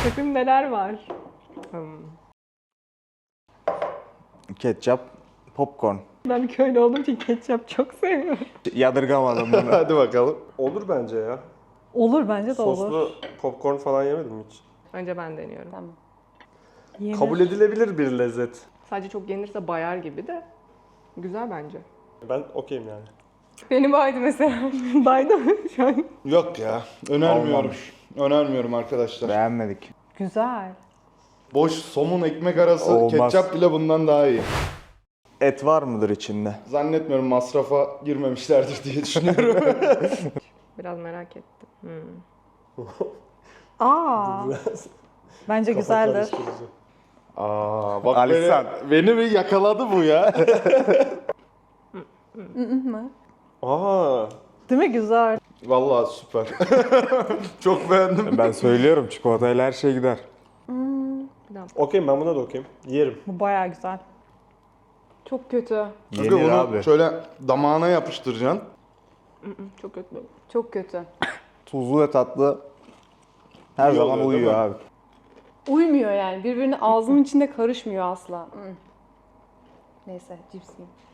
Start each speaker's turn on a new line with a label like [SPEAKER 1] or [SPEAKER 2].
[SPEAKER 1] Bakın neler var.
[SPEAKER 2] Ketçap, popcorn.
[SPEAKER 1] Ben köylü olduğum için ketçap çok seviyorum.
[SPEAKER 2] Yadırgamadım bunu.
[SPEAKER 3] Hadi bakalım. Olur bence ya.
[SPEAKER 4] Olur bence de olur.
[SPEAKER 3] Soslu popcorn falan yemedim hiç.
[SPEAKER 1] Önce ben deniyorum.
[SPEAKER 4] Tamam.
[SPEAKER 1] Yenir.
[SPEAKER 3] Kabul edilebilir bir lezzet.
[SPEAKER 1] Sadece çok yenirse bayar gibi de. Güzel bence.
[SPEAKER 3] Ben okeyim yani.
[SPEAKER 1] Beni baydı mesela. Baydı mı şu an?
[SPEAKER 5] Yok ya. Önermiyorum.
[SPEAKER 2] Olmamış.
[SPEAKER 5] Önermiyorum arkadaşlar.
[SPEAKER 2] Beğenmedik.
[SPEAKER 4] Güzel.
[SPEAKER 5] Boş somun ekmek arası
[SPEAKER 2] Olmaz.
[SPEAKER 5] ketçap bile bundan daha iyi.
[SPEAKER 2] Et var mıdır içinde?
[SPEAKER 5] Zannetmiyorum, masrafa girmemişlerdir diye düşünüyorum.
[SPEAKER 1] Biraz merak ettim.
[SPEAKER 4] Aa. Bence
[SPEAKER 3] Kafa
[SPEAKER 4] güzeldir.
[SPEAKER 3] karıştırıcı.
[SPEAKER 5] Aa, bak
[SPEAKER 2] Alisan.
[SPEAKER 5] beni bir yakaladı bu ya.
[SPEAKER 3] Aa,
[SPEAKER 4] Değil mi? Güzel.
[SPEAKER 5] Vallahi süper. Çok beğendim.
[SPEAKER 2] Ben söylüyorum çikolatayla her şey gider.
[SPEAKER 3] okeyim, ben buna da okeyim. Yerim.
[SPEAKER 4] Bu bayağı güzel.
[SPEAKER 1] Çok kötü.
[SPEAKER 5] Çünkü
[SPEAKER 2] Yenir
[SPEAKER 5] bunu
[SPEAKER 2] abi.
[SPEAKER 5] şöyle damağına yapıştıracaksın.
[SPEAKER 1] Çok kötü.
[SPEAKER 4] Çok kötü.
[SPEAKER 2] Tuzlu ve tatlı her
[SPEAKER 3] İyi
[SPEAKER 2] zaman
[SPEAKER 3] oluyor, değil
[SPEAKER 2] uyuyor
[SPEAKER 3] mi?
[SPEAKER 2] abi.
[SPEAKER 4] Uymuyor yani. Birbirine ağzının içinde karışmıyor asla. Neyse cips yiyeyim.